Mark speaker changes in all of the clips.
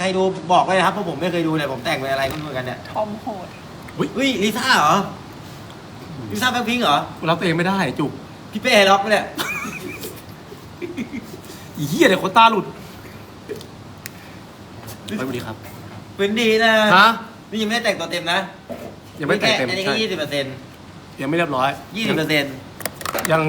Speaker 1: รดูบอกเลยนะครับเพราะผมไม่เคยดูเลยผมแต่งเป็นอะไรก็เหมือนกันเนี่ย
Speaker 2: ทอมโหด
Speaker 1: อุ้ยลิซ่าเหรอลิซ่าแบล็คพิงค์เหรอ
Speaker 3: รับตัวเองไม่ได้จุก
Speaker 1: พี่เป้ล็อกไปเนี่ย
Speaker 3: อีเหี้ยเดี๋ยวคนตาหลุดไปสวัสดีครับ
Speaker 1: เป็นดีนะ
Speaker 3: ฮะ
Speaker 1: นี่ยังไม่ได้แต่งตัวเต็มนะ
Speaker 3: ยังไม่แต่งเต็ม
Speaker 1: อันนี้
Speaker 3: ใช่
Speaker 1: แค่20%
Speaker 3: ยังไม่เรียบร้อย
Speaker 1: 20%
Speaker 3: ยัง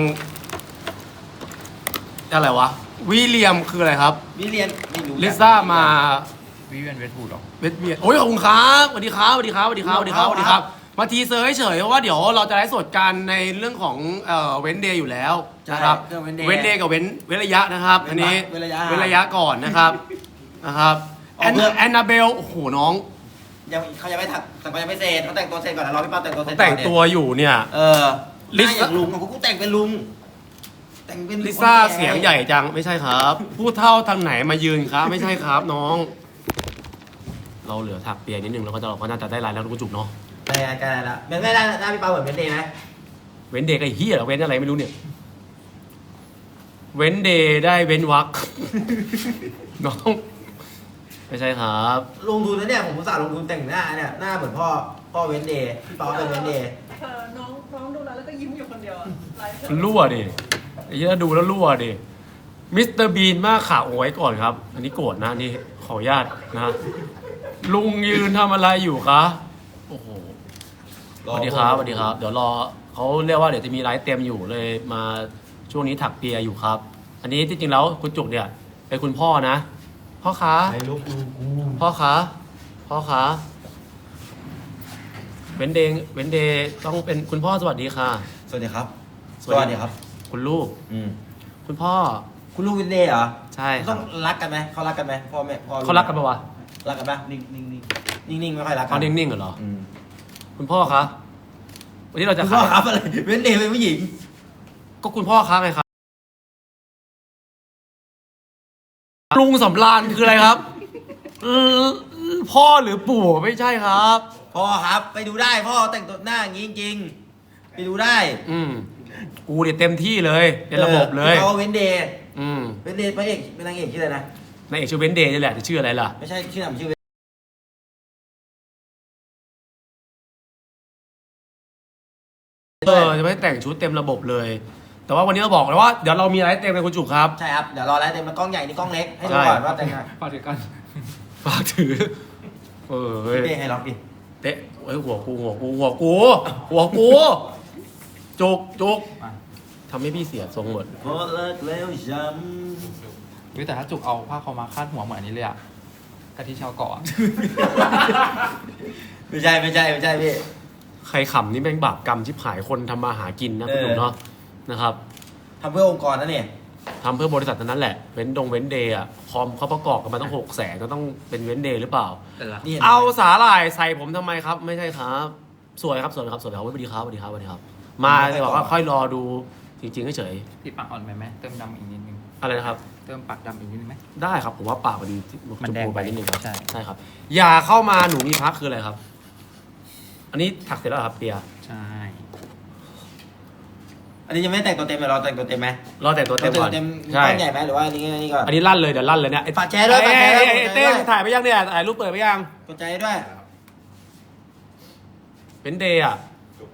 Speaker 3: อะไรวะวิลเลียมคืออะไรครับ
Speaker 1: นี่เรียนไม่รู้
Speaker 3: ลิซ่ามา
Speaker 4: วิเวียนเวทพูดหรอ
Speaker 3: เวทเวียนโอ้ยขอบคุณครับสวัสดีครับสวัสดีครับสวัสดีครับสวัสดีครับสวัสดีครับมาทีเซอร์เฉยๆเพราะว่าเดี๋ยวเราจะไลฟ์สดกันในเรื่องของเว้นเดย์อยู่แล้วนะครับ เว้นเดย์กับเว้นระยะนะครับอันนี้เว้นระยะก่อนนะครับแอนนาเบลโอ้โหน้อง
Speaker 1: ยังเขายังไม่ถักแต่เขายังไม่เสร็จเขาแต่งตัวเสร็จก่อนนะรอพี่ป้าแต่งตัวเสร็จ
Speaker 3: แต่งตัวอยู่เนี่ย
Speaker 1: ลิซ่าอย่างลุงกูแต่งเป็นลุงแต่งเป็น
Speaker 3: ลิซ่าเสียงใหญ่จังไม่ใช่ครับผู้เท่าทางไหนมายืนครับไม่ใช่ครับน้อง เราเหลือถักเปียนิดนึงแล้วก็เราก็น่าจะได้ลายแล้วลูกจุกเนาะ
Speaker 1: ได้กันแล้วเป็นไม่ได้หน้าพี่ป้าเหมือนเป็นเดย์ไหม
Speaker 3: เว้นเดย์ไอ้เหี้ยเหรอเว้นอะไรไม่รู้เนี่ยเว้นเดย์ได้เว้นวัก น้องไม่ใช่ครับ
Speaker 1: ลงทุนนะเนี่ยผมอุตส่าห์ลงทุนแต่งหน้าเนี่ยหน้าเหมือนพ่อเว้นเดย์พี่ป้าเป็นเว้นเดย์
Speaker 2: น้องดูแล้วก็ยิ้มอยู่คนเดียวอะไลฟ์
Speaker 3: รั่วดิไอ้เหี้ยดูแล้วรั่วดิมิสเตอร์บีนมากข่าวเอาไว้ก่อนครับ อันนี้โกรธนะนี่ขออนุญาตนะลุงยืนทำอะไรอยู่คะโอ้โหสวัสดีครับสวัสดีครับ เดี๋ยวรอเขาเรียกว่าเดี๋ยวจะมีไลฟ์เต็มอยู่เลยมาช่วงนี้ถักเปียอยู่ครับ อันนี้ที่จริงแล้วคุณจุกเนี่ยเป็นคุณพ่อนะพ่อคะ
Speaker 1: ไอ้ลูกกู
Speaker 3: พ่อคะพ่อคะเว้นเดย์ต้องเป็นคุณพ่อสวัสดีค่ะ
Speaker 1: สวัสดีครับ
Speaker 3: สวัสดีครับ คุณลูก คุณพ่อ
Speaker 1: คุณลูกเว้นเดย์เหรอ
Speaker 3: ใช่ค
Speaker 1: ต้
Speaker 3: รั
Speaker 1: อบ งรักกันไหมเขารักกันไหมพ่อแม่พ่อ
Speaker 3: เขารักกันปะวะ
Speaker 1: รักกันปะนิ่งไม่ค่อยรักกั
Speaker 3: เขานิ่งๆเหรอ
Speaker 1: อืม
Speaker 3: คุณพ่อคะวันนี้เราจะ
Speaker 1: คุณพ่อครับอะไรเว้นเดย์เป็นผู้หญิง
Speaker 3: ก็คุณพ่อคะไงครับลุงสำราญคืออะไรครับพ่อหรือปู่ไม่ใช่ครับ
Speaker 1: พ่อครับไปดูได้พ่อแต่งตัวหน้าอย่างนี้จริงๆไปดูได้
Speaker 3: กูเนี่ยเต็มที่เลยเป็นระบบเลย
Speaker 1: เขาเว้นเดย์
Speaker 3: อืม
Speaker 1: เว้นเดย์พระเอกเป็นนางเอกชื่ออะไรนะ
Speaker 3: นายเอกชื่อเว้นเดย์นี่แหละจะชื่ออะไรล่ะ
Speaker 1: ไม่ใช่ชื่อหนังชื่อเว้น
Speaker 3: จะไม่แต่งชุดเต็มระบบเลย แต่ว่าวันนี้เราบอกเลยว่าเดี๋ยวเรามีอะไรเต็มในคุณจุกครับ
Speaker 1: ใช่ครับเดี๋ยวรอแล้วเดี๋ยวมันกล้องใหญ่นี่กล้องเล็กให้ดูก่อนว่าแต่งไง
Speaker 4: ฝากถึงกัน
Speaker 3: ฝากถือเฮ้ย
Speaker 1: เต้ให้ล็อกดิ
Speaker 3: เตะเฮ้ยหัวกูจุกทำให้พี่เสียทรงหมด
Speaker 1: พอเลิกแล้วช้
Speaker 4: วิแต่ถ้าจุกเอาผ้าขาวมาคาดหัวเหมือนอันนี้เลยอะกะทิชาวเกาะอะ
Speaker 1: ำไม่ใช่พี่
Speaker 3: ใครขำนี่แม่งบาปกรรมชิบหายคนทำมาหากินนะคุณหนุ่มเนาะนะครับ
Speaker 1: ทำเพื่อองค์กรนะเนี่ย
Speaker 3: ทำเพื่อบริษัทนั้นแหละเว้นเดย์อะคอมเขาประกอบกันมาต้อง600,000ก็ต้องเป็นเว้นเดย์หรือเปล่า
Speaker 4: แต่ละ
Speaker 1: นี่
Speaker 3: เอาสาหร่ายใส่ผมทำไมครับ ไม่ใช่ครับ สวยครับสวัสดีครับสวัสดีครับมาเลยบอกว่าค่อยรอดูจริงๆเฉย
Speaker 4: ติดปากอ่อนไหมเติมดำอีกนิดนึง
Speaker 3: ๆอะไรนะครับ
Speaker 4: เติมปากดำอีกนิดนึงไหม
Speaker 3: ได้ครับผมว่าปากมัน
Speaker 4: มัน
Speaker 3: ชม
Speaker 4: แดง
Speaker 3: พูไปนิดนึงครับ
Speaker 4: ใช่
Speaker 3: ครับ อย่าเข้ามาหนูมีพักคืออะไรครับ อันนี้ถักเสร็จแล้วเหรอครับเปีย
Speaker 4: ใช่
Speaker 1: อันนี้ยังไม่แต่งตัวเต็มเลยรอแต่งตัวเต็มไหม
Speaker 3: รอแต่งตัวเต็มก่อน
Speaker 1: เต็ม
Speaker 3: ใช่
Speaker 1: กล้องใหญ่ไหมหรือว่าอันนี้ก่อน
Speaker 3: อันนี้ลั่นเลยเดี๋ยวลั่นเลยเนี่ย
Speaker 1: ฝากแชร์ด้วยฝากแชร์ด้วย
Speaker 3: ไอ้เต้ถ่ายไปยังเนี่ยถ่ายรูปเปิดไปยัง
Speaker 1: กดใจด้วย
Speaker 3: เป็นเดย์อ่ะ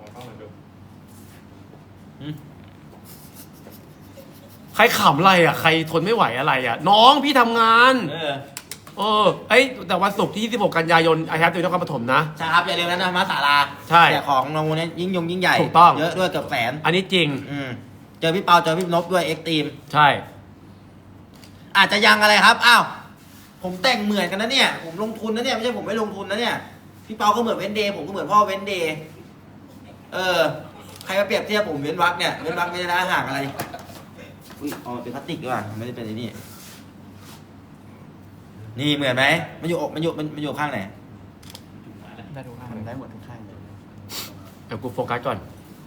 Speaker 3: ใครขำอะไรอ่ะใครทนไม่ไหวอะไรอ่ะ น้องพี่ทำงานแต่วันศุกร์ที่26 กันยายนไอแฮปอยู่นครปฐมนะ
Speaker 1: ใช่ครับอย่าลืมนะมาศาลา
Speaker 3: ใช่
Speaker 1: แจกของรางวัลนี้ยิ่งใหญ่
Speaker 3: ถูกต้อง
Speaker 1: เยอะด้วยเกือบแสน
Speaker 3: อันนี้จริง
Speaker 1: เจอพี่เปาเจอพี่นพด้วยเอ็กตีม
Speaker 3: ใช่
Speaker 1: อาจจะยังอะไรครับอ้าวผมแต่งเหมือนกันนะเนี่ยผมลงทุนนะเนี่ยไม่ใช่ผมไม่ลงทุนนะเนี่ยพี่เปาก็เหมือนเว้นเดย์ผมก็เหมือนพ่อเว้นเดย์ใครมาเปรียบเทียบผมเว้นวักเนี่ยเว้นวักไม่ได้นะห่างอะไรอุ้ยอ๋อเป็นพลาสติกด้วยไม่ได้เป็นไอ้นี่นี่เหมือนไหมมันอยู่ข้างไหน
Speaker 4: ได้ทุกข้าง
Speaker 1: ได้หมดทุกข้างเลย
Speaker 3: เดี๋ยวกูโฟกัสก่อน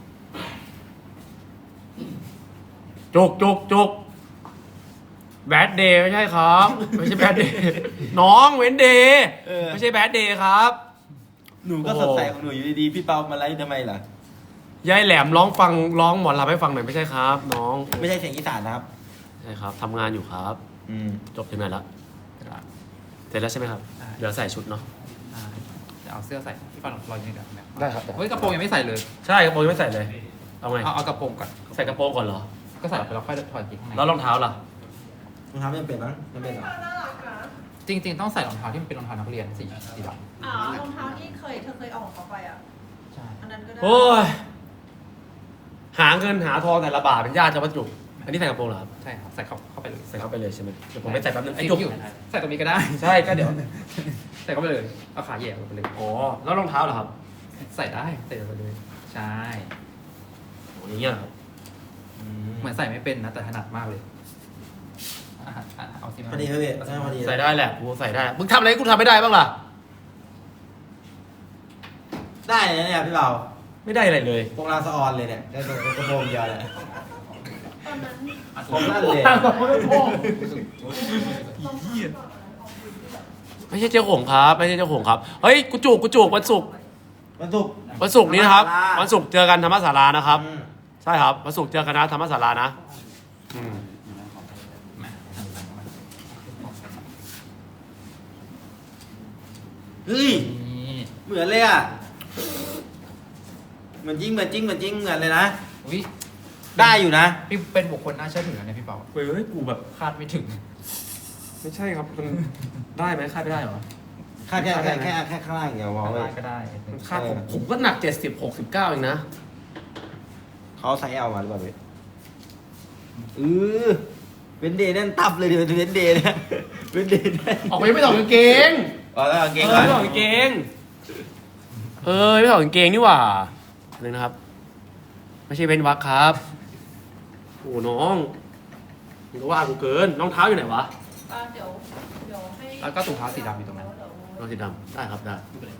Speaker 3: จุกแบดเดย์ไม่ใช่ครับ ไม่ใช่แบดเดย์น้องเว้นเดย์ไม่ใช่แบดเดย์ครับ
Speaker 1: หนูก็สดใสของหนูอยู่ดีๆพี่เปามาไล่ทำไมล่ะ
Speaker 3: ยายแหลมร้องหมอลำให้ฟังหน่อยไม่ใช่ครับ น้อง
Speaker 1: ไม่ใช่เสียงอีสานนะครับ
Speaker 3: ใช่ครับทำงานอยู่ครับ จบถึงไหนละร็จแล้วใช่ไหมครับ
Speaker 4: ได้
Speaker 3: เดี๋ยวใส่ชุดเนาะ
Speaker 4: จะเอาเสื้อใส่พี่ปอนรอยืนกันนะ
Speaker 3: ได้ครับ
Speaker 4: เฮ้ยกระโปรงยังไม่ใส่เลย
Speaker 3: ใช่กระโปรงยังไม่ใส่เลย เอาไง
Speaker 4: เอากระโปรงก่อน
Speaker 3: ใส่กระโปรงก่อนเหรอ
Speaker 4: ก็ใส่ไปแล้วค่อยถอดกางเกงข้างใน
Speaker 3: แล้วรองเท้าล่ะ
Speaker 1: รองเท้าไม่เป็นมั้งไม่เป็นหรอ
Speaker 2: น่ารักนะ
Speaker 4: จริงๆต้องใส่รองเท้าที่มันเป็นรองเท้านักเรียนสีดำ
Speaker 2: อ๋อรองเท้าที่เธอเคยเอาของเขาไปอ่ะ
Speaker 4: ใช่
Speaker 2: อันนั้นก็ได้
Speaker 3: โอ้ย หาเงินหาทองแต่ละบาทเป็นญาติจะวัตถุอันนี้ใส่กระโปรงเหรอครับ
Speaker 4: ใช่ครับใส่เข้าไปเลย
Speaker 3: ใส่เข้าไปเลยใช่ไหมเดี๋ยวผมไปใส่แป๊บนึงไอ้
Speaker 4: ไอ้
Speaker 3: จุ
Speaker 4: จุ
Speaker 3: ก
Speaker 4: กอยู่ใส่ตรงนี้ก็ได้
Speaker 3: ใช่ก็เดี๋ยว
Speaker 4: ใส่เข้าไปเลยเอาขาแหย่ลงไปเลย
Speaker 3: อ๋อ แล้วรองเท้าเหรอครับ
Speaker 4: ใส่ได้ใส่ไปเลยใช่
Speaker 3: โอ้ยอย่างเงี้ยเหรอครับ
Speaker 4: เหมือนใส่ไม่เป็นนะแต่ถนัดมากเลยเอาสิมา
Speaker 1: พอดีครับพี่ใช่พอดี
Speaker 3: ใส่ได้แหละกูใส่ได้ มึงทำอะไรให้กูทำไม่ได้บ้างล่ะ
Speaker 1: ได้เลยนะเนี่ยพี่เบา
Speaker 3: ไม่ได้อะไรเลย
Speaker 1: พวกเราสะออนเลยเนี่ยได้กระโปรงเดียวเลย
Speaker 2: ตอนนั้น
Speaker 1: ผมนั่นเลย
Speaker 3: ไม่ใช่เจ้าของครับ ไม่ใช่เจ้าของครับ เฮ้ย กูจุกวันศุกร์
Speaker 1: วันศุกร์
Speaker 3: วันศุกร์นี้นะครับ
Speaker 1: ธรรมศาลา
Speaker 3: วันศุกร์เจอกันธรรมศาลานะครับ
Speaker 1: อืม
Speaker 3: ใช่ครับ วันศุกร์เจอกันนะธรรมศาลานะ อืม
Speaker 1: เฮ้ย
Speaker 4: นี่
Speaker 1: เหมือนเลยอ่ะเหมือนจริงเหมือนเลยนะ
Speaker 4: อุ้ย
Speaker 1: ได้อยู่นะ
Speaker 4: พี่เป็นบุคคลน่าเชื่อถือนะเนี่ยพี่เปา
Speaker 3: เฮ้ย กูแบบ
Speaker 4: คาดไม่ถึง
Speaker 3: ไม่ใช่ครับ มันได้ไหมคาดไม่ได้เหรอ
Speaker 1: แค่ข้างล่างอย่างเดียววอลเว้ย
Speaker 4: ก็ได้
Speaker 3: มันคาดผมก็หนัก70-69เองนะ
Speaker 1: เขาใส่เอามาหรือเปล่าพี่เป็นเดย์นั่นตับเลยดิเป็นเดย์เนี่ยเป็นเดย์ได้
Speaker 3: ออกไปไม่ถอดกางเกง
Speaker 1: อ๋อแล้วเอาเกง
Speaker 3: ไม่ถอดกางเกง ไม่ถอดกางเกงนี่หว่าเลยนะครับ ไม่ใช่เว้นวักครับ โอ้น้องมึงก็ว่ากูเกินรองเท้าอยู่ไหนวะ
Speaker 2: เดี๋ยวให้
Speaker 4: แล้วก็ถุงเท้าสีดำอยู่ตรงนั้น
Speaker 3: รองสีดำได้ครับได้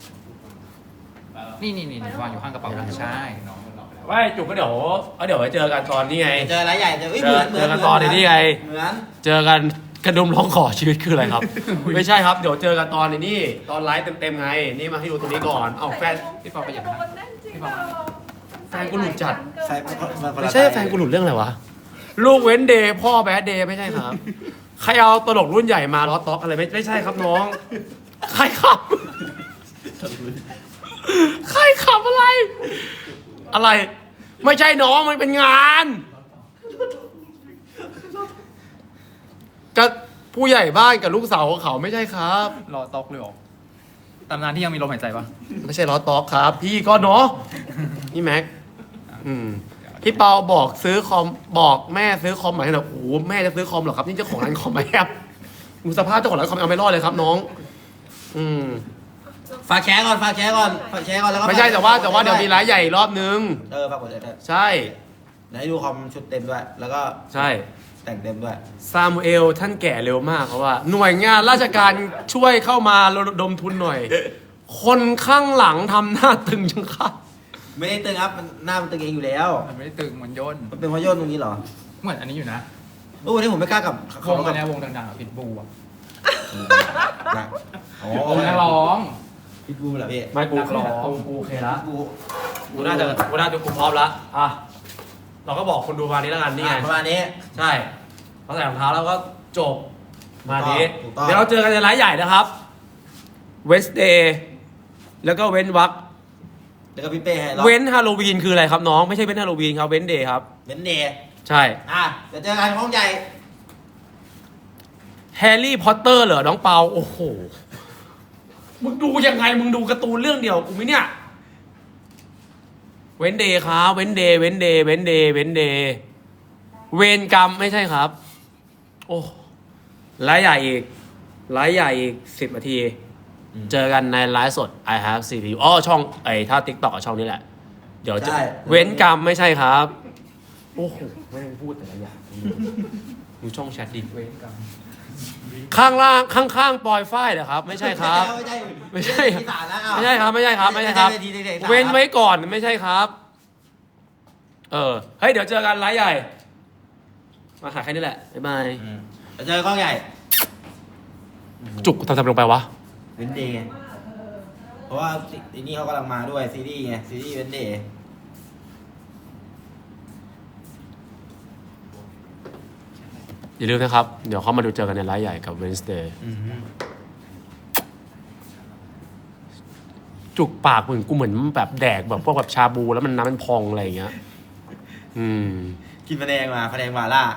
Speaker 4: นี่วางอยู่ข้างกระเป๋าใช่น้อง
Speaker 3: ว่าจุกก็เดี๋ยวไปเจอกันตอนนี้ไง
Speaker 1: เจออะไรใหญ่เจอเหมือน
Speaker 3: เจอกันตอนนี้ไง
Speaker 1: เหมือน
Speaker 3: เจอกันกระดุมร้องขอชีวิตคืออะไรครับ ไม่ใช่ครับ เดี๋ยวเจอกันตอนนี้ตอนไลฟ์เต็มๆไง นี่มาให้ดูตรงนี้ก่อน เอาแฟน
Speaker 4: พี่ปอไปอย่าง
Speaker 2: โด
Speaker 4: นั้น
Speaker 2: นแน่นจริง
Speaker 4: พี่ปอ
Speaker 3: แฟนกูหลุดจัด
Speaker 1: ใส่คน
Speaker 3: ไม่ใช่แฟนกูหลุดเรื่องอะไรวะ ลูกเว้นเดย์พ่อแบดเดย์ไม่ใช่ครับ ใครเอาตลกรุ่นใหญ่มาล้อต็อกอะไรไม่ใช่ครับน้อง ใครขับ ใครขับอะไร อะไร ไม่ใช่น้องมันเป็นงานกับผู้ใหญ่บ้านกับลูกสาวของเขาไม่ใช่ครับ
Speaker 4: รอตอกเลยเหรอตำนานที่ยังมีลมหายใจปะ
Speaker 3: ไม่ใช่ล้อต็อกครับ พี่ก็เนาะนี่แม็กพี่เปาบอกซื้อคอมบอกแม่ซื้อคอมใหม่ให้หน่อยโอ้โหแม่จะซื้อคอมเหรอครับนี่เจ้าของร้านคอมไหมครับดูสภาพเจ้าของร้านคอมเอาไม่รอดเลยครับน้อง
Speaker 1: ฝากแชร์ก่อนแล้วก็
Speaker 3: ไม่ใช่แต่ว่าเดี๋ยวมีร้านใหญ่อีกรอบนึง
Speaker 1: ฝากกดด้วย
Speaker 3: ใช่
Speaker 1: เดี๋ยวให้ดูคอมชุดเต็มด้วย แล้วก็
Speaker 3: ใช่
Speaker 1: แต่งเต็มด้วย
Speaker 3: ซามูเอลท่านแก่เร็วมากเพราะว่า หน่วยงานราชการช่วยเข้ามาระดมทุนหน่อย คนข้างหลังทำหน้าตึงจังครับ
Speaker 1: ไม่ได้ตึงครับมันหน้ามันตึงเองอยู่แล้ว
Speaker 4: มันไม่ได้ตึงมันย่น
Speaker 1: มันเป็นเพราะโยนตรงนี้เหรอ
Speaker 4: เหมือนอันนี้อยู่นะ
Speaker 1: วันนี้ผมไม่กล้ากับ
Speaker 4: วงอันเนี้ยวงดังๆอ่ะพิทบูอ่ะ
Speaker 1: อ๋อ
Speaker 4: วงนักร้อง
Speaker 1: พี่บูเหรอพี่
Speaker 3: ไม่กู
Speaker 4: นักร้อง
Speaker 3: กูโอเคละ
Speaker 1: บู
Speaker 3: กูน่าจะกูพร้อมละอ่ะเราก็บอกคนดูมานี้แล้วกันนี่ไง
Speaker 1: ประมาณนี้
Speaker 3: ใช่พอใส่รองเท้าแล้วก็จบมานี้
Speaker 1: ถูกต้อง
Speaker 3: เดี๋ยวเราเจอกันในไลฟ์ใหญ่นะครับเวสเดย์แล้วก็เว้นวัก
Speaker 1: แล้วก็พี่เป้ให้เรา
Speaker 3: เว้นฮาโลวีนคืออะไรครับน้องไม่ใช่เว้นฮาโลวีนครับเว้นเดย์ครับ
Speaker 1: เว้นเดย์
Speaker 3: ใช่
Speaker 1: เดี๋ยวเจอกันห้องใหญ่
Speaker 3: แฮร์รี่พอตเตอร์เหรอน้องเปาโอ้โหมึงดูยังไงมึงดูการ์ตูนเรื่องเดียวกูไหมเนี่ยเว้นเดย์ครับเว้นเดย์เวนกรรมไม่ใช่ครับ โอ้ไลฟ์ใหญ่อีก10 นาที เจอกันในไลฟ์สด I have CPU ช่องถ้า TikTok ช่องนี้แหละ เดี๋ยวจะ
Speaker 1: ใช่
Speaker 3: เว้นกรรมไม่ใช่ครับ โอ้โหไม่ได้พูดแต่ละอย่างดูช่องแชทดิ
Speaker 4: เว้นกัน
Speaker 3: ข้างล่างข้างๆปลอยฝ้ายเหรอครับ ไม่ใช่ครับ ไม่ใช่
Speaker 1: อีสานนะ
Speaker 3: ไม่ใช่ครับ เว้นไว้ก่อนไม่ใช่ครับ เฮ้ยเดี๋ยวเจอกันไลฟ์ใหญ่ มาหาแค่นี้แหละ บ๊ายบาย
Speaker 1: เดี๋ยวเจอห้องใหญ่
Speaker 3: จุกทำลงไปวะ
Speaker 1: เว้นเดย์เพราะว่าทีนี้เขากำลังมาด้วยซีรีส์ไงซีรีส์เว้นเดย์
Speaker 3: อย่าลืมนะครับ เดี๋ยวเขามาดูเจอกันในไลฟ์ใหญ่กับ Wednesday จุกปากเหมือนกูเหมือนแบบแดกแบบพวกแบบชาบูแล้วมันน้ำมันพองอะไรอย่างเงี้ย อืม
Speaker 1: กินพะแนงมาพะแนงมาล่า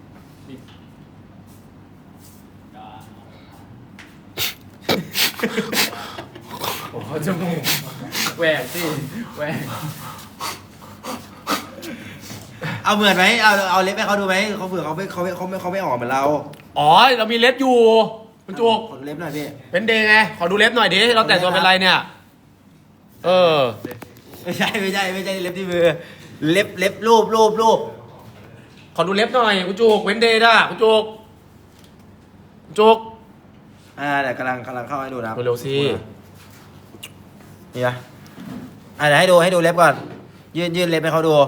Speaker 4: โอ้โหจมูกแหวกสิแหวก
Speaker 1: เอาเหมือนไหมเอาเล็บให้เขาดูไหมเขาเผื่อเขาไม่ออกเหมือนเรา
Speaker 3: อ๋อ เรามีเล็บอยู่คุณจุก
Speaker 1: ขอดูเล็บหน่อยพี่
Speaker 3: เป็นเดย์ไง ขอดูเล็บหน่อยดิ เราแต่งตัวเป็นอะไรเนี่ย เออ
Speaker 1: ไม่ใช่เล็บที่มือเล็บรูป
Speaker 3: ขอดูเล็บหน่อยคุณจุกเว้นเดย์ด่ะคุณจุกคุณจุก
Speaker 1: เดี๋ยวกำลังเข้าให้ดูนะครับ
Speaker 3: เร็วๆสิ
Speaker 1: นี่นะเดี๋ยวให้ดูเล็บก่อนยื่นเล็บให้เขาดู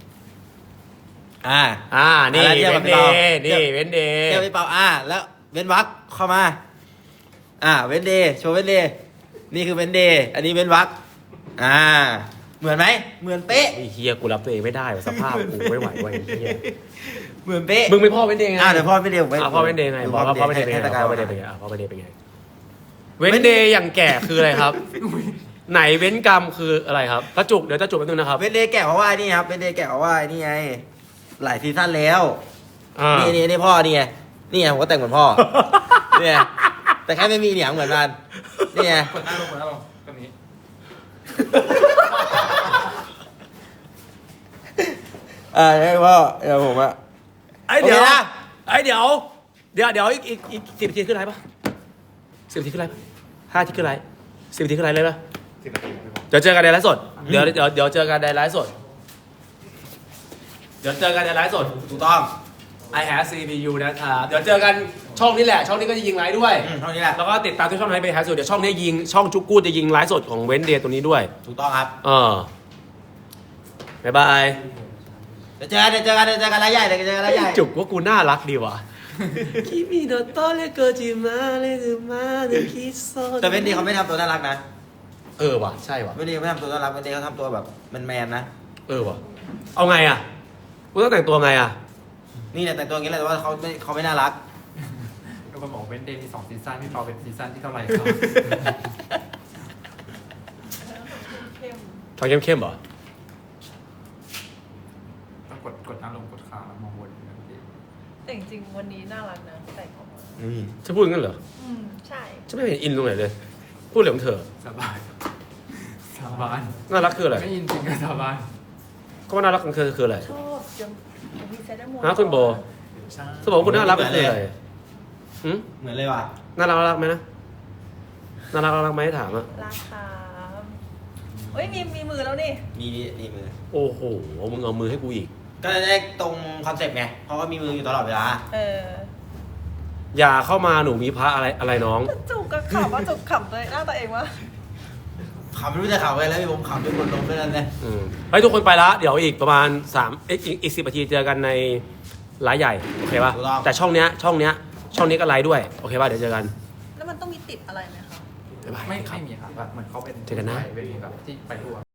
Speaker 3: นี่
Speaker 1: แล้วทียบ
Speaker 3: เว้
Speaker 1: กับ
Speaker 3: น
Speaker 1: พี่
Speaker 3: เด
Speaker 1: ปา
Speaker 3: ย์นี่เว้นเดย์
Speaker 1: เทียบพี่เปาแล้วเว้นวักเข้ามาเว้นเดย์โชว์เว้นเดย์นี่คือเว้นเดย์อันนี้เว้นวักเหมือนไหมเหมือนเป๊ะ
Speaker 3: ไอ้เฮียกูรับตัวเองไม่ได้ว่ะสภาพกูไม่ไหวว่ะไอ้เฮีย
Speaker 1: เหมือนเป๊ะ
Speaker 3: มึงไม่พ่อเว้นเดย์ไง
Speaker 1: เดี๋ยวพ่อไม่เดย์ผม
Speaker 3: พ่อเว้นเดย์ไงบอกว่าพ่อเว้นเดย์เป็นไง
Speaker 1: ให้ตะการ
Speaker 3: พ่อเว้นเดย์เป็นไงพ่อเว้นเดย์เป็นไงเว้นเดย์อย่างแก่คืออะไรครับ ไหนเว้นกรรมคืออะไรครับตาจุกเดี๋ยวตาจุกแป๊บนึงนะครับ
Speaker 1: เว้นเดย์แกะเพราะว่านี่ครับเว้นเดย์แกะเพราะว่านี่ไงหลายซีซั่นแล้ว นี่พ่อนี่ไงนี่ไงผมก็แต่งเหมือนพ่อ เนี่ยแต่แค่ไม่มีเหนียงเหมือนกันนี่ไง
Speaker 4: กดหน้าลงตรงนี้
Speaker 1: ใช่พ่อเดี๋ยวผมอะ
Speaker 3: เดี๋ยว
Speaker 1: โอเคนะ
Speaker 3: เดี๋ยวอีก10 นาทีขึ้นไลฟ์ปะ10 นาทีขึ้นไลฟ์ปะ5 นาทีขึ้นไลฟ์10 นาทีขึ้นไลฟ์เลยปะเดี๋ยวเจอกันในไลฟ์สดเดี๋ยวเจอกันในไลฟ์สด
Speaker 1: ถูกต้อง
Speaker 3: I have CPU นะครับเดี๋ยวเจอกันช่องนี้แหละ ช่องนี้ก็จะยิงไลฟ์ด้วย
Speaker 1: เท่านี้แหละ
Speaker 3: แล้วก็ติดตามทุกช่องให้ไปแฮชเดี๋ยวช่องนี้ยิงช่องจุกกูจะยิงไลฟ์สดของเว้นเดย์ตัวนี้ด้วย
Speaker 1: ถูกต้องครับ
Speaker 3: บ๊ายบาย
Speaker 1: เดี๋ยวเจอกันรายใหญ่
Speaker 3: จุกว่ากูน่ารักดีว่ะคิมิโนโตะเลโกจิมาเลซึมาเดคิโซ
Speaker 1: แต่เวนดี้เขาไม่ทำตัวน่ารักนะ
Speaker 3: ว่ะใช่ว่ะ
Speaker 1: เวนดี้เขาไม่ทำตัวน่ารักเวนดี้เขาทำตัวแบบแมนๆนะ
Speaker 3: ว่ะเอาไงอ่ะกูต้องแต่งตัวไงอ่ะ
Speaker 1: นี่เนี่ยแต่งตัวอย่างนี้แหละแต่ว่าเขาไม่น่ารัก
Speaker 4: ทุกคนบอกเว้นเดย์มี2 ซีซั่นพี่เปาเป็นซีซั่นที่เท่าไหร่ครับ
Speaker 2: เข้ม
Speaker 3: ทองเข้มๆเหรอ
Speaker 4: ต้องกดหน้าลงกดขามองบน
Speaker 2: แต่จริงๆวันนี้น่ารักนะแต่งออกมา
Speaker 3: จะพูดงั้นเหรอ
Speaker 2: ใช่
Speaker 3: ฉันไม่เห็นอินตรงไหนเลย พูดเรื่องของเธอ
Speaker 4: สบาย
Speaker 3: น่ารักคืออะไร
Speaker 4: ไม่ยินจริงก็สบาย
Speaker 3: ก็ว่าน่ารักของเธอคืออะไร
Speaker 2: ชอบยังมีเซตโม
Speaker 3: ฮะคุณโบ
Speaker 4: ใช่
Speaker 3: สมองคุณน่ารักก็คืออะไรหืม
Speaker 1: เหมือนเลยว่ะ
Speaker 3: น่ารักไหมนะน่ารักไหมถามอ่ะ
Speaker 2: ราคาเฮ้ยมีมือแล้วนี่
Speaker 1: มีมือ
Speaker 3: โอ้โหมึงเอามือให้กูอีก
Speaker 1: ก็จะได้ตรงคอนเซ็ปต์ไงเพราะว่ามีมืออยู่ตลอดเวลา
Speaker 3: อย่าเข้ามาหนูมีพระอะไรน้อง
Speaker 2: จุกกับขำว่าจุกขำเลยหน้าตัวเองวะ
Speaker 1: ขำไม่รู้จะขำอะไรแล้วผมขำด้วยคนลมด้วยนั่นเลย
Speaker 3: เฮ้ยทุกคนไปละเดี๋ยวอีกประมาณอีก10 นาทีเจอกันในไลฟ์ใหญ่โอเคป่ะแต่ช่องนี้ก็ไลฟ์ด้วยโอเคป่ะเดี๋ยวเจอกัน
Speaker 2: แล้วมันต้องมีติดอะไรไหมคะ
Speaker 3: บ๊ายบาย
Speaker 4: ไม่มีครับแบบเหมือนเขาเป็น
Speaker 3: เจอกันนะ
Speaker 4: เป็นแบบที่ไปทั่ว